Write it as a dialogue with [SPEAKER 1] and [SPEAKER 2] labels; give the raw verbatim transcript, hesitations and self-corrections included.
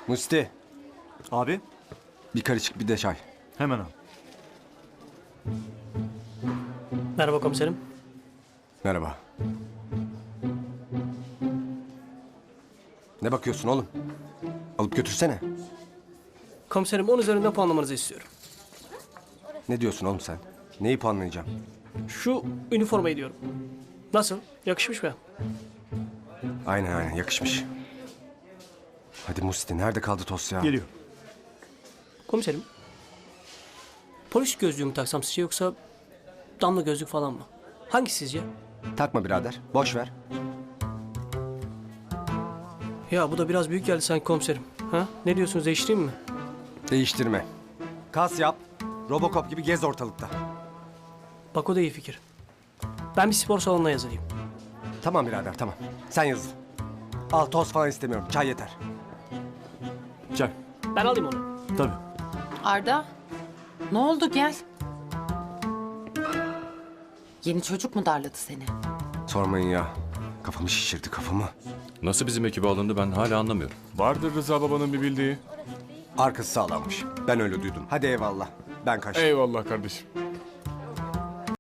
[SPEAKER 1] Musti,
[SPEAKER 2] Abi
[SPEAKER 1] bir karışık bir de çay.
[SPEAKER 2] hemen al.
[SPEAKER 3] Merhaba komiserim.
[SPEAKER 1] Merhaba. Ne bakıyorsun oğlum? Alıp götürsene.
[SPEAKER 3] Komiserim on üzerinden puanlamanızı istiyorum.
[SPEAKER 1] Ne diyorsun oğlum sen? Neyi puanlayacağım?
[SPEAKER 3] Şu üniformayı diyorum. Nasıl? Yakışmış mı?
[SPEAKER 1] Aynen aynen yakışmış. Hadi Musti, nerede kaldı toz ya?
[SPEAKER 2] Geliyor.
[SPEAKER 3] Komiserim. Polis gözlüğü mü taksam sizce yoksa damla gözlük falan mı? Hangisi sizce?
[SPEAKER 1] Takma birader, boş ver.
[SPEAKER 3] Ya bu da biraz büyük geldi sanki komiserim. Ha? Ne diyorsunuz, değiştireyim mi?
[SPEAKER 1] Değiştirme. Kas yap, Robocop gibi gez ortalıkta.
[SPEAKER 3] Bak o da iyi fikir. Ben bir spor salonuna yazılayım.
[SPEAKER 1] Tamam birader, tamam. Sen yazıl. Al, toz falan istemiyorum, çay yeter.
[SPEAKER 2] Çay.
[SPEAKER 3] Ben alayım onu.
[SPEAKER 2] Tabii.
[SPEAKER 4] Arda, ne oldu gel. Yeni çocuk mu darladı seni?
[SPEAKER 1] Sormayın ya. Kafamı şişirdi, kafamı.
[SPEAKER 5] Nasıl bizim ekibe alındı ben hala anlamıyorum.
[SPEAKER 6] Vardır Rıza babanın bir bildiği.
[SPEAKER 1] Arkası sağlammış. Ben öyle duydum. Hadi eyvallah. Ben kaçtım.
[SPEAKER 6] Eyvallah kardeşim.